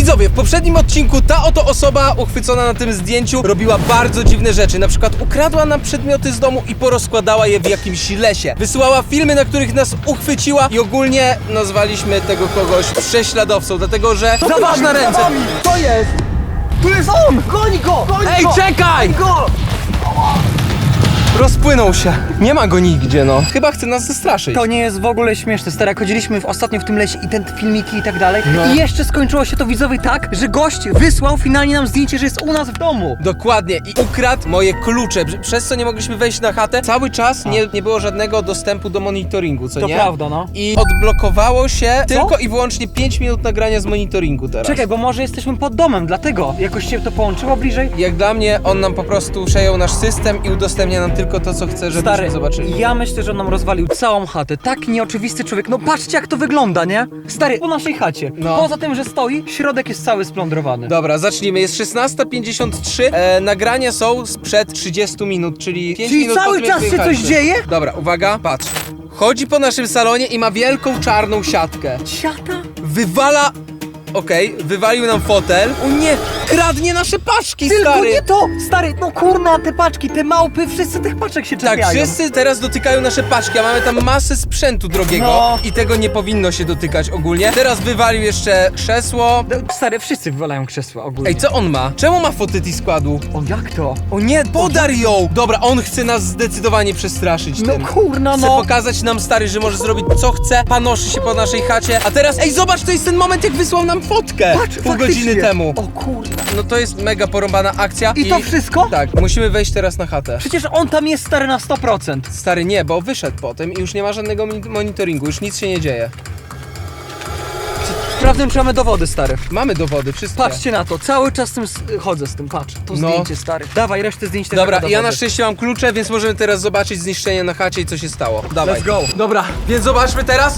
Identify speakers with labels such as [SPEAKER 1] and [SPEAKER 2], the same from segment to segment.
[SPEAKER 1] Widzowie, w poprzednim odcinku ta oto osoba uchwycona na tym zdjęciu robiła bardzo dziwne rzeczy. Na przykład ukradła nam przedmioty z domu i porozkładała je w jakimś lesie. Wysyłała filmy, na których nas uchwyciła i ogólnie nazwaliśmy tego kogoś prześladowcą, dlatego że... Zobacz na ręce!
[SPEAKER 2] To jest! Tu jest on! Goń go! Goń
[SPEAKER 1] Ej,
[SPEAKER 2] go!
[SPEAKER 1] czekaj!
[SPEAKER 2] Goń go!
[SPEAKER 1] Rozpłynął się. Nie ma go nigdzie, no. Chyba chce nas zastraszyć.
[SPEAKER 2] To nie jest w ogóle śmieszne, stary. Chodziliśmy ostatnio w tym lesie i te filmiki i tak dalej.
[SPEAKER 1] No.
[SPEAKER 2] I jeszcze skończyło się to, widzowie, tak, że gość wysłał finalnie nam zdjęcie, że jest u nas w domu.
[SPEAKER 1] Dokładnie. I ukradł moje klucze, przez co nie mogliśmy wejść na chatę. Cały czas nie było żadnego dostępu do monitoringu, co
[SPEAKER 2] To
[SPEAKER 1] nie?
[SPEAKER 2] prawda, no.
[SPEAKER 1] I odblokowało się tylko i wyłącznie 5 minut nagrania z monitoringu teraz.
[SPEAKER 2] Czekaj, bo może jesteśmy pod domem, dlatego jakoś się to połączyło bliżej.
[SPEAKER 1] Jak dla mnie, on nam po prostu przejął nasz system i udostępnia nam tylko to, co chce, żebyśmy
[SPEAKER 2] Stary,
[SPEAKER 1] zobaczyli.
[SPEAKER 2] ja myślę, że on nam rozwalił całą chatę. Tak nieoczywisty człowiek. No patrzcie, jak to wygląda, nie? Stary, po naszej chacie.
[SPEAKER 1] No.
[SPEAKER 2] Poza tym, że stoi, środek jest cały splądrowany.
[SPEAKER 1] Dobra, zacznijmy. Jest 16:53. Nagrania są sprzed 30 minut, czyli 5
[SPEAKER 2] Czyli
[SPEAKER 1] minut po
[SPEAKER 2] cały
[SPEAKER 1] tym, jak
[SPEAKER 2] czas się
[SPEAKER 1] wyjechaliśmy.
[SPEAKER 2] coś dzieje?
[SPEAKER 1] Dobra, uwaga, patrz. Chodzi po naszym salonie i ma wielką czarną siatkę.
[SPEAKER 2] Siata?
[SPEAKER 1] Wywala... Okej, wywalił nam fotel. O nie, kradnie nasze paczki,
[SPEAKER 2] Tylko
[SPEAKER 1] stary!
[SPEAKER 2] nie to! Stary, no kurna, te paczki, te małpy, wszyscy tych paczek się
[SPEAKER 1] Tak,
[SPEAKER 2] czepiają.
[SPEAKER 1] wszyscy teraz dotykają nasze paczki, a mamy tam masę sprzętu drogiego
[SPEAKER 2] No.
[SPEAKER 1] i tego nie powinno się dotykać ogólnie. Teraz wywalił jeszcze krzesło.
[SPEAKER 2] No, stary, wszyscy wywalają krzesła ogólnie.
[SPEAKER 1] Ej, co on ma? Czemu ma fotyty składu?
[SPEAKER 2] O, jak to?
[SPEAKER 1] O nie, podar ją! Dobra, on chce nas zdecydowanie przestraszyć
[SPEAKER 2] No
[SPEAKER 1] tym.
[SPEAKER 2] kurna,
[SPEAKER 1] Chce
[SPEAKER 2] no.
[SPEAKER 1] pokazać nam, stary, że może zrobić co chce, panoszy się po naszej chacie, a teraz, ej, zobacz, to jest ten moment, jak wysłał nam fotkę
[SPEAKER 2] Patrz,
[SPEAKER 1] pół godziny
[SPEAKER 2] faktycznie.
[SPEAKER 1] temu.
[SPEAKER 2] O kurna.
[SPEAKER 1] No to jest mega porąbana akcja.
[SPEAKER 2] I to wszystko?
[SPEAKER 1] Tak, musimy wejść teraz na chatę.
[SPEAKER 2] Przecież on tam jest, stary, na 100%.
[SPEAKER 1] Stary, nie, bo wyszedł potem i już nie ma żadnego monitoringu, już nic się nie dzieje.
[SPEAKER 2] Sprawdzę, czy mamy dowody, stary.
[SPEAKER 1] Mamy dowody, wszystkie.
[SPEAKER 2] Patrzcie na to, cały czas z tym chodzę z tym, patrz. To
[SPEAKER 1] No.
[SPEAKER 2] zdjęcie, stary. Dawaj, resztę zdjęć też
[SPEAKER 1] Dobra,
[SPEAKER 2] jako
[SPEAKER 1] ja na
[SPEAKER 2] dowody.
[SPEAKER 1] szczęście mam klucze, więc możemy teraz zobaczyć zniszczenie na chacie i co się stało. Dawaj.
[SPEAKER 2] Let's go.
[SPEAKER 1] Dobra, więc zobaczmy teraz.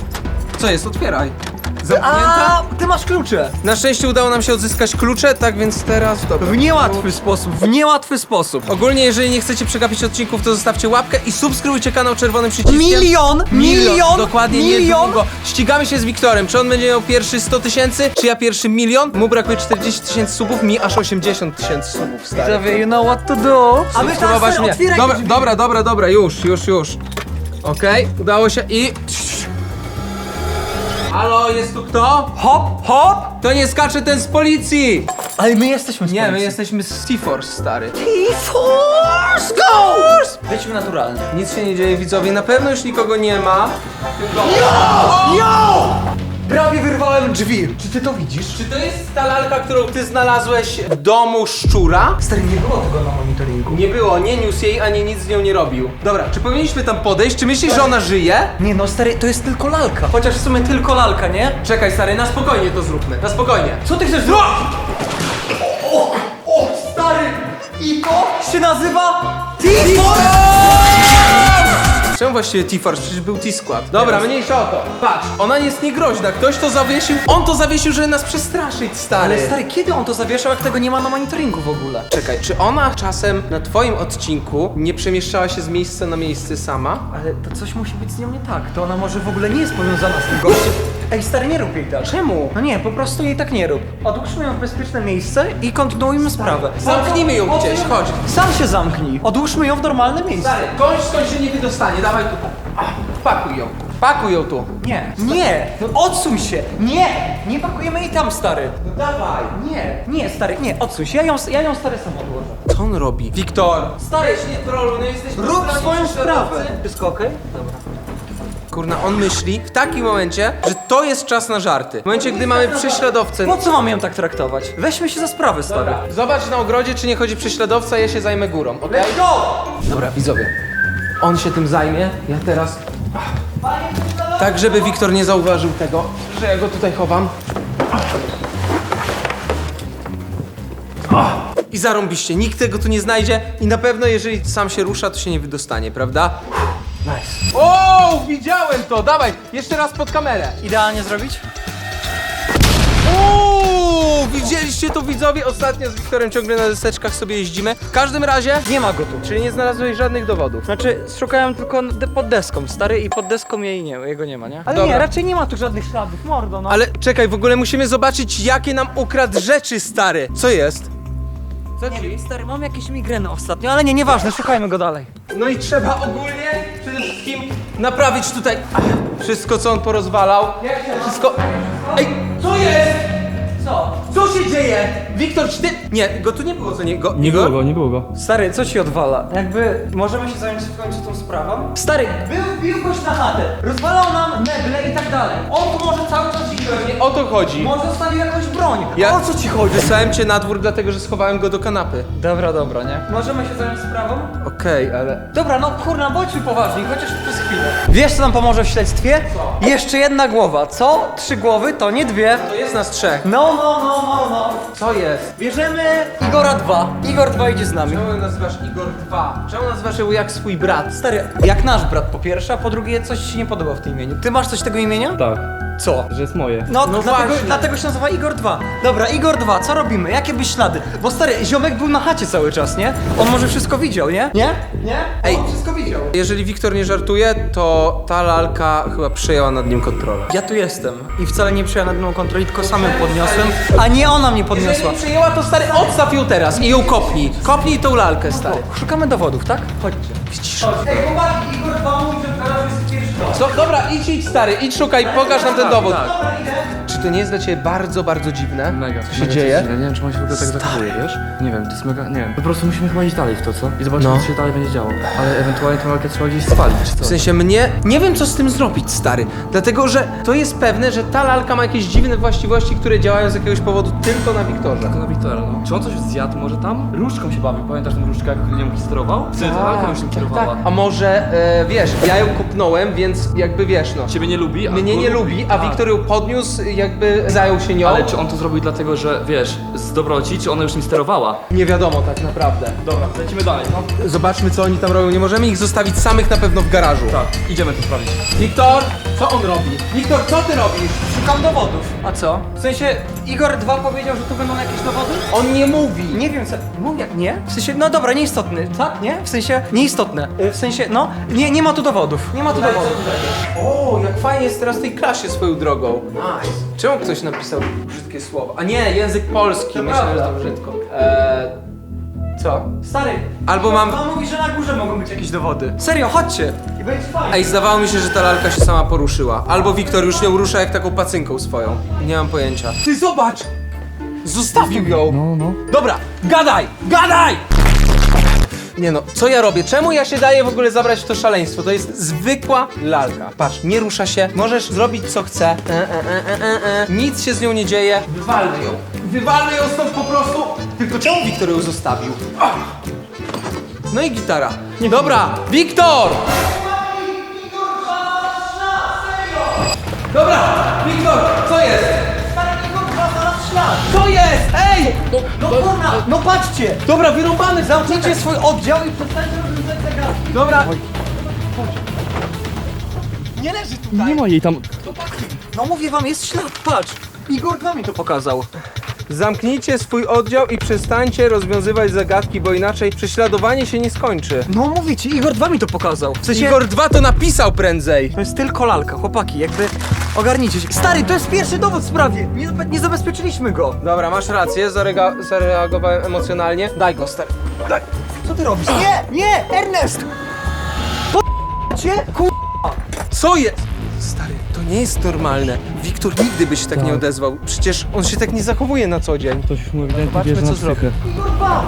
[SPEAKER 1] Co jest? Otwieraj. Zamknięta?
[SPEAKER 2] A, ty masz klucze.
[SPEAKER 1] Na szczęście udało nam się odzyskać klucze, tak więc teraz... Dobra.
[SPEAKER 2] W niełatwy sposób, w niełatwy sposób.
[SPEAKER 1] Ogólnie, jeżeli nie chcecie przegapić odcinków, to zostawcie łapkę i subskrybujcie kanał czerwonym przyciskiem.
[SPEAKER 2] Milion!
[SPEAKER 1] Dokładnie, niedługo. Ścigamy się z Wiktorem. Czy on będzie miał pierwszy 100 000, czy ja pierwszy 1 000 000? Mu brakuje 40 000 subów, mi aż 80 000 subów, stary.
[SPEAKER 2] Widzowie, you know what to do. A my
[SPEAKER 1] Subskrybować
[SPEAKER 2] teraz
[SPEAKER 1] mnie.
[SPEAKER 2] otwieraj
[SPEAKER 1] Dobra,
[SPEAKER 2] drzwi.
[SPEAKER 1] dobra, już. Okej, udało się i... Halo, jest tu kto?
[SPEAKER 2] Hop, hop.
[SPEAKER 1] To nie skacze ten z policji!
[SPEAKER 2] Ale my jesteśmy z
[SPEAKER 1] Nie, my
[SPEAKER 2] policji.
[SPEAKER 1] jesteśmy z Seaforce, stary.
[SPEAKER 2] Force, go! Wejdźmy naturalnie.
[SPEAKER 1] Nic się nie dzieje, widzowie, na pewno już nikogo nie ma. Tylko...
[SPEAKER 2] Yo! Prawie wyrwałem drzwi. Czy ty to widzisz?
[SPEAKER 1] Czy to jest ta lalka, którą ty znalazłeś w domu szczura?
[SPEAKER 2] Stary, nie było tego na monitoringu.
[SPEAKER 1] Nie było, nie niósł jej, ani nic z nią nie robił. Dobra, czy powinniśmy tam podejść? Czy myślisz, że ona żyje?
[SPEAKER 2] Nie no, stary, to jest tylko lalka. Chociaż w sumie tylko lalka, nie?
[SPEAKER 1] Czekaj, stary, na spokojnie to zróbmy, na spokojnie.
[SPEAKER 2] Co ty chcesz zrobić? O, stary! I to się nazywa T-Force!
[SPEAKER 1] Czemu właściwie T-Force? Przecież był T-Squad. Dobra, mniejsza o to. Patrz, ona jest niegroźna, ktoś to zawiesił, on to zawiesił, żeby nas przestraszyć, stary.
[SPEAKER 2] Ale stary, kiedy on to zawieszał, jak tego nie ma na monitoringu w ogóle?
[SPEAKER 1] Czekaj, czy ona czasem na twoim odcinku nie przemieszczała się z miejsca na miejsce sama?
[SPEAKER 2] Ale to coś musi być z nią nie tak. To ona może w ogóle nie jest powiązana z tym gościem. Ej, stary, nie rób jej tak.
[SPEAKER 1] Czemu?
[SPEAKER 2] No nie, po prostu jej tak nie rób. Odłóżmy ją w bezpieczne miejsce i kontynuujmy sprawę.
[SPEAKER 1] Zamknijmy ją gdzieś, chodź.
[SPEAKER 2] Sam się zamknij. Odłóżmy ją w normalne miejsce.
[SPEAKER 1] Stary, skądś się nie wydostanie, dawaj tutaj. Pakuj ją tu.
[SPEAKER 2] Nie, no odsuń się. Nie pakujemy jej tam, stary.
[SPEAKER 1] No dawaj.
[SPEAKER 2] Nie, stary, nie, odsuń się. Ja ją stary sam odłożę.
[SPEAKER 1] Co on robi? Wiktor!
[SPEAKER 2] Stary,
[SPEAKER 1] Weź nie trolluj, no jesteśmy
[SPEAKER 2] rób
[SPEAKER 1] zdani
[SPEAKER 2] swoją
[SPEAKER 1] prześladowcy.
[SPEAKER 2] sprawę. Wszystko okej? Dobra.
[SPEAKER 1] Kurna, on myśli w takim momencie, że to jest czas na żarty. W momencie, gdy mamy prześladowcę.
[SPEAKER 2] Po co mamy ją tak traktować? Weźmy się za sprawę, stary.
[SPEAKER 1] Dobra, zobacz na ogrodzie, czy nie chodzi prześladowca, ja się zajmę górą, okej?
[SPEAKER 2] Let's go!
[SPEAKER 1] Dobra, widzowie. On się tym zajmie, ja teraz... Tak, żeby Wiktor nie zauważył tego, że ja go tutaj chowam. I zarąbiście, nikt tego tu nie znajdzie i na pewno jeżeli sam się rusza, to się nie wydostanie, prawda?
[SPEAKER 2] Nice.
[SPEAKER 1] O, widziałem to! Dawaj, jeszcze raz pod kamerę.
[SPEAKER 2] Idealnie zrobić?
[SPEAKER 1] Uuu, widzieliście Spójrzcie tu widzowie, ostatnio z Wiktorem ciągle na deseczkach sobie jeździmy. W każdym razie,
[SPEAKER 2] Nie ma go tu.
[SPEAKER 1] czyli nie znalazłeś żadnych dowodów.
[SPEAKER 2] Znaczy, szukałem tylko pod deską, stary, i pod deską jego nie ma, nie? Ale
[SPEAKER 1] Dobra.
[SPEAKER 2] nie, raczej nie ma tu żadnych śladów, mordo, no.
[SPEAKER 1] Ale czekaj, w ogóle musimy zobaczyć, jakie nam ukradł rzeczy, stary. Co jest? Co
[SPEAKER 2] Nie wiem, stary, mam jakieś migreny ostatnio, ale nie, nieważne, szukajmy go dalej.
[SPEAKER 1] No i trzeba ogólnie przede wszystkim naprawić tutaj wszystko, co on porozwalał. Wszystko. Ej, co jest?
[SPEAKER 2] Co?
[SPEAKER 1] Co się dzieje? Wiktor, czy ty... Nie, go tu nie było, co nie?
[SPEAKER 3] Nie było go, nie było go.
[SPEAKER 2] Stary, co ci odwala? Jakby, możemy się zająć w końcu tą sprawą? Stary, bił goś na chatę, rozwalał nam meble i tak dalej. On tu może cały czas iść.
[SPEAKER 1] Nie o to chodzi.
[SPEAKER 2] Może zostawił jakąś broń.
[SPEAKER 1] Ja-
[SPEAKER 2] O co ci chodzi?
[SPEAKER 1] Wysłałem cię na dwór, dlatego że schowałem go do kanapy.
[SPEAKER 2] Dobra, nie? Możemy się zająć sprawą?
[SPEAKER 1] Okej, ale...
[SPEAKER 2] Dobra, no kurna, bądźmy poważni, chociaż przez chwilę. Wiesz, co nam pomoże w śledztwie? Co? Jeszcze jedna głowa. Co? 3 głowy to nie 2.
[SPEAKER 1] To jest nas 3.
[SPEAKER 2] No.
[SPEAKER 1] Co jest?
[SPEAKER 2] Bierzemy Igora 2. Igor 2 idzie z nami.
[SPEAKER 1] Czemu nazywasz Igor 2? Czemu nazywasz ją jak swój brat?
[SPEAKER 2] Stary, jak nasz brat po pierwsze, a po drugie coś ci nie podoba w tym imieniu. Ty masz coś tego imienia?
[SPEAKER 3] Tak,
[SPEAKER 2] Co?
[SPEAKER 3] że jest moje.
[SPEAKER 2] No,
[SPEAKER 1] No
[SPEAKER 2] dlatego,
[SPEAKER 1] właśnie.
[SPEAKER 2] dlatego się nazywa Igor 2. Dobra, Igor 2, co robimy? Jakie byś ślady? Bo stary, ziomek był na chacie cały czas, nie? On może wszystko widział, nie? Nie?
[SPEAKER 1] Ej.
[SPEAKER 2] On wszystko widział.
[SPEAKER 1] Jeżeli Wiktor nie żartuje, to ta lalka chyba przejęła nad nim kontrolę.
[SPEAKER 2] Ja tu jestem i wcale nie przyjęła nad mną kontroli, tylko samym podniosłem, a nie ona mnie podniosła.
[SPEAKER 1] Jeżeli nie przejęła, to stary, odstaw ją teraz i ją kopnij. Kopnij tą lalkę, stary.
[SPEAKER 2] Szukamy dowodów, tak? Chodźcie.
[SPEAKER 1] Widzisz?
[SPEAKER 2] Ej, chłopaki, Igor 2 mówi, że w garażu jest pierwszy dom.
[SPEAKER 1] Co? Dobra, idź stary, idź szukaj, pokaż nam ten dowód.
[SPEAKER 2] Dobra, idę.
[SPEAKER 1] Czy to nie jest dla ciebie bardzo, bardzo dziwne?
[SPEAKER 3] Mega.
[SPEAKER 1] Co się dzieje?
[SPEAKER 3] Ja nie wiem, czy on się w ogóle tak zachowuje, wiesz? Nie wiem, to jest mega, nie wiem. Po prostu musimy chyba iść dalej w to, co? I zobaczyć,
[SPEAKER 1] No.
[SPEAKER 3] co się dalej będzie działo. Ale ewentualnie tę lalkę trzeba gdzieś spalić, czy co?
[SPEAKER 1] W sensie mnie, nie wiem co z tym zrobić, stary. Dlatego, że to jest pewne, że ta lalka ma jakieś dziwne właściwości, które działają z jakiegoś powodu tylko na Wiktorze.
[SPEAKER 3] To na Wiktora, no. Czy on coś zjadł może tam? Różdżką się bawił, pamiętasz tę różdżkę, jak nią sterował? Wtedy ta lalka już nim kierowała.
[SPEAKER 1] A może, wiesz, ja ją kopnąłem, więc jakby wiesz, no.
[SPEAKER 3] Ciebie nie lubi, a
[SPEAKER 1] Mnie
[SPEAKER 3] go
[SPEAKER 1] nie lubi, a
[SPEAKER 3] Tak.
[SPEAKER 1] Wiktor ją podniósł, jakby zajął się nią.
[SPEAKER 3] Ale czy on to zrobił dlatego, że wiesz, z dobroci, czy ona już nim sterowała?
[SPEAKER 1] Nie wiadomo tak naprawdę.
[SPEAKER 3] Dobra, lecimy dalej, no.
[SPEAKER 1] Zobaczmy co oni tam robią. Nie możemy ich zostawić samych na pewno w garażu.
[SPEAKER 3] Tak, idziemy to sprawdzić.
[SPEAKER 1] Wiktor, co on robi? Wiktor, co ty robisz?
[SPEAKER 2] Szukam dowodów. A co? W sensie, Igor 2 powiedział, że tu będą jakieś dowody?
[SPEAKER 1] On nie mówi.
[SPEAKER 2] Nie wiem co. Mówię, nie? W sensie, no dobra, nieistotny. Tak? Nie? W sensie, nieistotne. W sensie, no, nie ma tu dowodów. Nie ma tu dowodów.
[SPEAKER 1] O, jak fajnie jest teraz w tej klasie swoją drogą. Nice. Czemu ktoś napisał brzydkie słowo? A nie, język polski. Myślę, że to brzydko. Co?
[SPEAKER 2] Stary.
[SPEAKER 1] Albo mam...
[SPEAKER 2] On mówi, że na górze mogą być jakieś dowody. Serio, chodźcie. I będzie fajnie.
[SPEAKER 1] Ej, zdawało mi się, że ta lalka się sama poruszyła. Albo Wiktor już ją rusza jak taką pacynką swoją. Nie mam pojęcia. Ty zobacz! Zostawił ją!
[SPEAKER 3] No.
[SPEAKER 1] Dobra, gadaj! Nie no, co ja robię? Czemu ja się daję w ogóle zabrać w to szaleństwo? To jest zwykła lalka. Patrz, nie rusza się, możesz zrobić co chce. Nic się z nią nie dzieje. Wywalmy ją stąd po prostu. Tylko czemu Wiktor ją zostawił? Ach. No i gitara. Dobra, Wiktor! Dobra, Wiktor, co jest?
[SPEAKER 2] Stary, Igor 2 znalazł ślad.
[SPEAKER 1] Co jest? Ej!
[SPEAKER 2] No kurna, no patrzcie.
[SPEAKER 1] Dobra, wyrąbany,
[SPEAKER 2] Zamknijcie swój oddział i przestańcie rozwiązać zagadki.
[SPEAKER 1] Dobra. Nie leży tutaj.
[SPEAKER 3] Nie ma jej tam.
[SPEAKER 2] No mówię wam, jest ślad, patrz. Igor 2 mi to pokazał.
[SPEAKER 1] Zamknijcie swój oddział i przestańcie rozwiązywać zagadki, bo inaczej prześladowanie się nie skończy.
[SPEAKER 2] No mówię ci, Igor 2 mi to pokazał. W sensie,
[SPEAKER 1] Igor 2 to napisał prędzej.
[SPEAKER 2] to jest tylko lalka, chłopaki, jakby ogarnijcie się. Stary, to jest pierwszy dowód w sprawie. Nie zabezpieczyliśmy go.
[SPEAKER 1] Dobra, masz rację, zareagowałem emocjonalnie. Daj go, stary. Daj.
[SPEAKER 2] Co ty robisz? Nie, Ernest! Cię?
[SPEAKER 1] Co jest? Stary, to nie jest normalne. Wiktor nigdy by się tak nie odezwał. Przecież on się tak nie zachowuje na co dzień.
[SPEAKER 3] Ktoś już mu ewidentnie
[SPEAKER 1] Zobaczmy,
[SPEAKER 3] bierze
[SPEAKER 1] co
[SPEAKER 3] na
[SPEAKER 1] zrobi.
[SPEAKER 3] psychę.
[SPEAKER 2] Kurwa!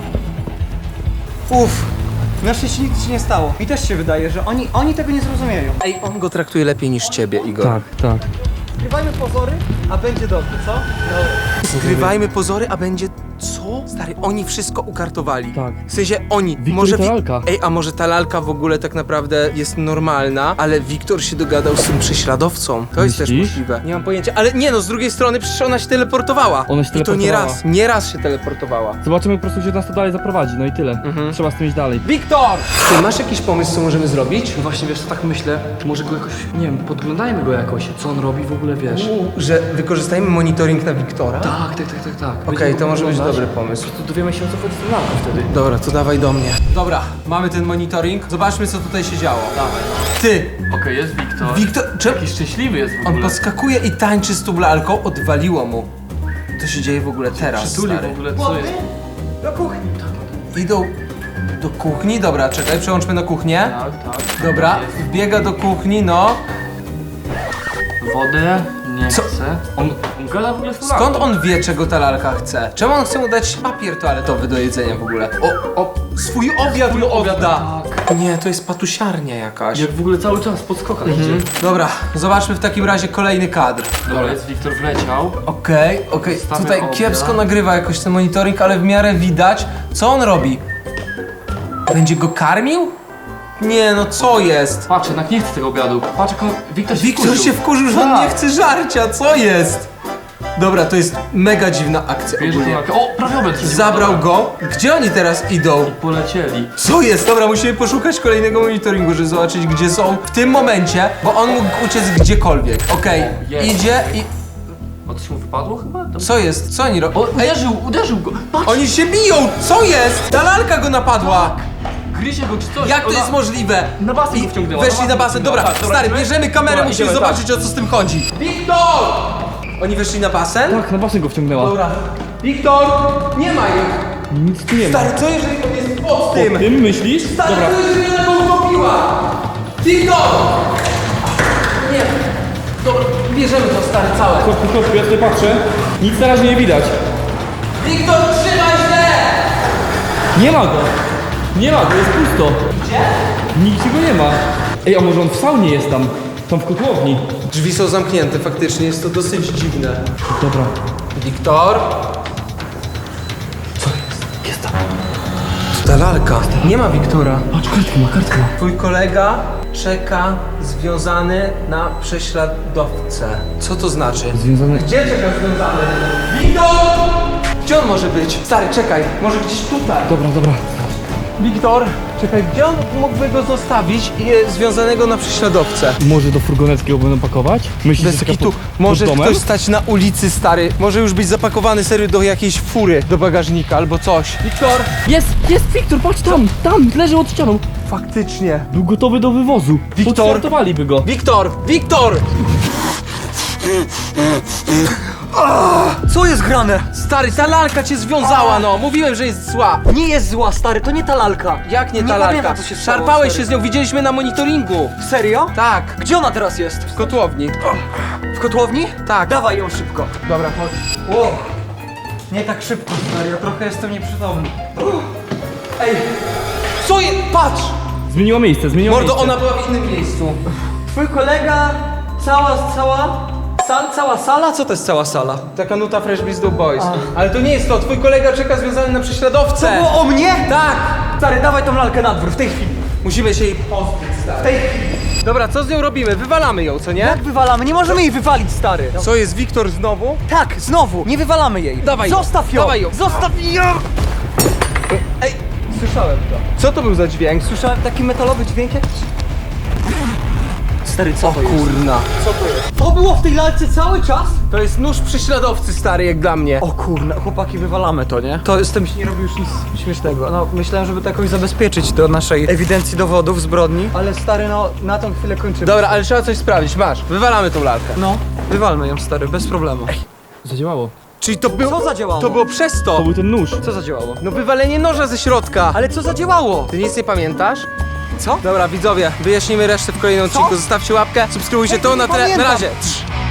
[SPEAKER 2] Uff. Na szczęście nic się nie stało. Mi też się wydaje, że oni tego nie zrozumieją.
[SPEAKER 1] Ej, on go traktuje lepiej niż ciebie, Igor.
[SPEAKER 3] Tak.
[SPEAKER 2] Zgrywajmy pozory, a będzie dobrze, co?
[SPEAKER 1] Zgrywajmy pozory, a będzie... Co? Co? Stary, oni wszystko ukartowali.
[SPEAKER 3] Tak.
[SPEAKER 1] W sensie oni.
[SPEAKER 3] Wiktor i ta lalka.
[SPEAKER 1] Ej, a może ta lalka w ogóle tak naprawdę jest normalna, ale Wiktor się dogadał z tym prześladowcą. To jest też
[SPEAKER 3] Myślisz?
[SPEAKER 1] możliwe. Nie mam pojęcia, ale nie no, z drugiej strony przecież ona się teleportowała.
[SPEAKER 3] Ona się
[SPEAKER 1] I to nie
[SPEAKER 3] teleportowała.
[SPEAKER 1] raz, nie raz się teleportowała.
[SPEAKER 3] Zobaczymy po prostu, gdzie nas to dalej zaprowadzi, no i tyle. Trzeba z tym iść dalej.
[SPEAKER 1] Wiktor! Ty masz jakiś pomysł, co możemy zrobić?
[SPEAKER 3] No właśnie, wiesz co, tak myślę, może go jakoś, nie wiem, podglądajmy go jakoś, co on robi w ogóle, wiesz.
[SPEAKER 1] Że wykorzystajmy monitoring na Wiktora?
[SPEAKER 3] Tak.
[SPEAKER 1] Okej, to może być dobry pomysł.
[SPEAKER 3] Po prostu dowiemy się, o co chodzi z tą lalką wtedy.
[SPEAKER 1] Dobra, to dawaj do mnie. Dobra, mamy ten monitoring. Zobaczmy, co tutaj się działo.
[SPEAKER 3] Dawaj.
[SPEAKER 1] Ty!
[SPEAKER 3] Okej, jest Wiktor.
[SPEAKER 1] Wiktor, czemu?
[SPEAKER 3] Jaki szczęśliwy jest w
[SPEAKER 1] On
[SPEAKER 3] ogóle.
[SPEAKER 1] podskakuje i tańczy z tą lalką, odwaliło mu. To się dzieje w ogóle teraz,
[SPEAKER 3] Przytuli
[SPEAKER 1] stary.
[SPEAKER 3] w ogóle, co jest?
[SPEAKER 2] Do kuchni.
[SPEAKER 1] Idą do kuchni, dobra, czekaj, przełączmy na kuchnię.
[SPEAKER 3] Tak.
[SPEAKER 1] Dobra, wbiega do kuchni, no.
[SPEAKER 3] Wodę nie
[SPEAKER 1] Co?
[SPEAKER 3] chce. On gada w ogóle z tą
[SPEAKER 1] Skąd
[SPEAKER 3] lalką.
[SPEAKER 1] on wie, czego ta lalka chce? Czemu on chce mu dać papier toaletowy do jedzenia w ogóle? Swój obiad mu odda. Nie, to jest patusiarnia jakaś.
[SPEAKER 3] Jak w ogóle cały czas po skokach idzie.
[SPEAKER 1] Dobra, zobaczmy w takim razie kolejny kadr.
[SPEAKER 3] Dobra, jest Wiktor wleciał.
[SPEAKER 1] Okej.
[SPEAKER 3] Stawiam
[SPEAKER 1] Tutaj
[SPEAKER 3] obiad.
[SPEAKER 1] kiepsko nagrywa jakoś ten monitoring, ale w miarę widać. Co on robi? Będzie go karmił? Nie, no co jest?
[SPEAKER 3] Patrz, jednak nie chce tego obiadu. Patrz, jak on... Wiktor się
[SPEAKER 1] Wiktor
[SPEAKER 3] wkurzył.
[SPEAKER 1] się wkurzył, że on
[SPEAKER 3] Tak.
[SPEAKER 1] nie chce żarcia, co jest? Dobra, to jest mega dziwna akcja
[SPEAKER 3] Bierze tą
[SPEAKER 1] ogólnie.
[SPEAKER 3] lalkę. O, prawie obiad się
[SPEAKER 1] Zabrał go. Gdzie oni teraz idą?
[SPEAKER 3] Polecieli.
[SPEAKER 1] Co jest? Dobra, musimy poszukać kolejnego monitoringu, żeby zobaczyć, gdzie są w tym momencie, bo on mógł uciec gdziekolwiek. Okej,
[SPEAKER 3] jest.
[SPEAKER 1] idzie i...
[SPEAKER 3] O, coś mu wypadło chyba? To...
[SPEAKER 1] Co jest? Co oni robią?
[SPEAKER 3] O, uderzył go. Patrz,
[SPEAKER 1] Oni się biją! Co jest? Ta lalka go napadła!
[SPEAKER 3] gryzie go czy coś.
[SPEAKER 1] Jak to
[SPEAKER 3] Ona-
[SPEAKER 1] jest możliwe?
[SPEAKER 3] Na basen
[SPEAKER 1] I
[SPEAKER 3] go wciągnęła.
[SPEAKER 1] weszli na basen. Dobra,
[SPEAKER 3] Tak,
[SPEAKER 1] stary,
[SPEAKER 3] idziemy?
[SPEAKER 1] bierzemy kamerę,
[SPEAKER 3] Dobra,
[SPEAKER 1] musimy
[SPEAKER 3] idziemy,
[SPEAKER 1] zobaczyć, o co z tym chodzi. Wiktor! Oni weszli na basen?
[SPEAKER 3] Tak, na basen go wciągnęła.
[SPEAKER 1] Dobra. Wiktor! Nie ma ich!
[SPEAKER 3] Nic tu nie ma.
[SPEAKER 1] Stary, co jeżeli on jest pod tym?
[SPEAKER 3] Tym myślisz?
[SPEAKER 1] Stary,
[SPEAKER 3] Dobra.
[SPEAKER 1] co jeżeli ona go utopiła? Wiktor! Nie. Dobra, bierzemy to, stary, całe.
[SPEAKER 3] Kopku, ja tutaj patrzę. Nic na razie nie widać.
[SPEAKER 1] Wiktor, trzymaj się!
[SPEAKER 3] Nie ma go. Nie ma go, jest pusto. Gdzie? Nigdzie go nie ma. Ej, a może on w saunie jest tam? Tam w kotłowni.
[SPEAKER 1] Drzwi są zamknięte, faktycznie, jest to dosyć dziwne.
[SPEAKER 3] Dobra.
[SPEAKER 1] Wiktor?
[SPEAKER 3] Jest tam.
[SPEAKER 1] To ta lalka. Nie ma Wiktora.
[SPEAKER 3] Patrz, kartkę ma.
[SPEAKER 1] Twój kolega czeka związany na prześladowcę. Co to znaczy?
[SPEAKER 3] Związane...
[SPEAKER 1] Gdzie czeka związany? Wiktor! Gdzie on może być? Stary, czekaj, może gdzieś tutaj.
[SPEAKER 3] Dobra.
[SPEAKER 1] Wiktor, czekaj, gdzie on mógłby go zostawić związanego na prześladowcę?
[SPEAKER 3] Może do furgonetki go będą pakować? Myślisz,
[SPEAKER 1] Bez
[SPEAKER 3] że taka
[SPEAKER 1] kitu,
[SPEAKER 3] pod
[SPEAKER 1] może
[SPEAKER 3] domem?
[SPEAKER 1] ktoś stać na ulicy, stary. Może już być zapakowany serio do jakiejś fury, do bagażnika albo coś. Wiktor!
[SPEAKER 3] Jest Wiktor, patrz tam, leży od ścianą.
[SPEAKER 1] Faktycznie.
[SPEAKER 3] Był gotowy do wywozu.
[SPEAKER 1] Wiktor!
[SPEAKER 3] Podstartowaliby go.
[SPEAKER 1] Wiktor!
[SPEAKER 2] Co jest grane?
[SPEAKER 1] Stary, ta lalka cię związała, no. Mówiłem, że jest zła.
[SPEAKER 2] Nie jest zła, stary, to nie ta lalka.
[SPEAKER 1] Jak nie ta
[SPEAKER 2] Nie
[SPEAKER 1] lalka?
[SPEAKER 2] pamiętam, co się stało,
[SPEAKER 1] Szarpałeś
[SPEAKER 2] stary.
[SPEAKER 1] się z nią, widzieliśmy na monitoringu.
[SPEAKER 2] Serio?
[SPEAKER 1] Tak,
[SPEAKER 2] Gdzie ona teraz jest?
[SPEAKER 1] w kotłowni.
[SPEAKER 2] W kotłowni?
[SPEAKER 1] Tak.
[SPEAKER 2] Dawaj ją szybko.
[SPEAKER 1] Dobra, chodź.
[SPEAKER 2] Wow. Nie tak szybko, stary, ja trochę jestem nieprzytomny.
[SPEAKER 1] Ej, co jest? Patrz!
[SPEAKER 3] Zmieniła miejsce.
[SPEAKER 1] Mordo, ona była w innym miejscu.
[SPEAKER 2] Twój kolega, cała sala? Co to jest cała sala?
[SPEAKER 1] Taka nuta Fresh Beast Do Boys. Ale to nie jest to, twój kolega czeka związany na prześladowcę.
[SPEAKER 2] To było o mnie?
[SPEAKER 1] Tak!
[SPEAKER 2] Stary, dawaj tą lalkę na dwór, w tej chwili.
[SPEAKER 1] Musimy się jej pozbyć,
[SPEAKER 2] W
[SPEAKER 1] stary.
[SPEAKER 2] tej chwili.
[SPEAKER 1] Dobra, co z nią robimy? Wywalamy ją, co nie?
[SPEAKER 2] Jak wywalamy? Nie możemy jej wywalić, stary.
[SPEAKER 1] Co jest, Wiktor znowu?
[SPEAKER 2] Tak, znowu, nie wywalamy jej.
[SPEAKER 1] Dawaj ją,
[SPEAKER 2] Zostaw ją.
[SPEAKER 1] dawaj ją.
[SPEAKER 2] Zostaw ją.
[SPEAKER 1] Ej,
[SPEAKER 2] Słyszałem to.
[SPEAKER 1] co to był za dźwięk?
[SPEAKER 2] Słyszałem taki metalowy dźwięk jakiś. Stary, co
[SPEAKER 1] O
[SPEAKER 2] to jest?
[SPEAKER 1] kurna.
[SPEAKER 2] Co to jest? To było w tej lalce cały czas?
[SPEAKER 1] To jest nóż prześladowcy, stary, jak dla mnie.
[SPEAKER 2] O kurna, chłopaki, wywalamy to, nie? To z tym się nie robi już nic śmiesznego. No, myślałem, żeby to jakoś zabezpieczyć do naszej ewidencji dowodów zbrodni. Ale stary, no, na tą chwilę kończymy.
[SPEAKER 1] Dobra, ale trzeba coś sprawdzić, masz. Wywalamy tą lalkę.
[SPEAKER 2] No, wywalmy ją, stary, bez problemu.
[SPEAKER 3] Zadziałało.
[SPEAKER 1] Czyli to było...
[SPEAKER 2] Co zadziałało?
[SPEAKER 1] To było przez
[SPEAKER 3] To
[SPEAKER 1] to.
[SPEAKER 3] był ten nóż.
[SPEAKER 2] Co zadziałało?
[SPEAKER 1] No wywalenie noża ze środka.
[SPEAKER 2] Ale co zadziałało?
[SPEAKER 1] Ty nic nie pamiętasz?
[SPEAKER 2] Co?
[SPEAKER 1] Dobra, widzowie, wyjaśnimy resztę w kolejnym odcinku. Zostawcie łapkę, subskrybujcie to na
[SPEAKER 2] pamiętam.
[SPEAKER 1] razie.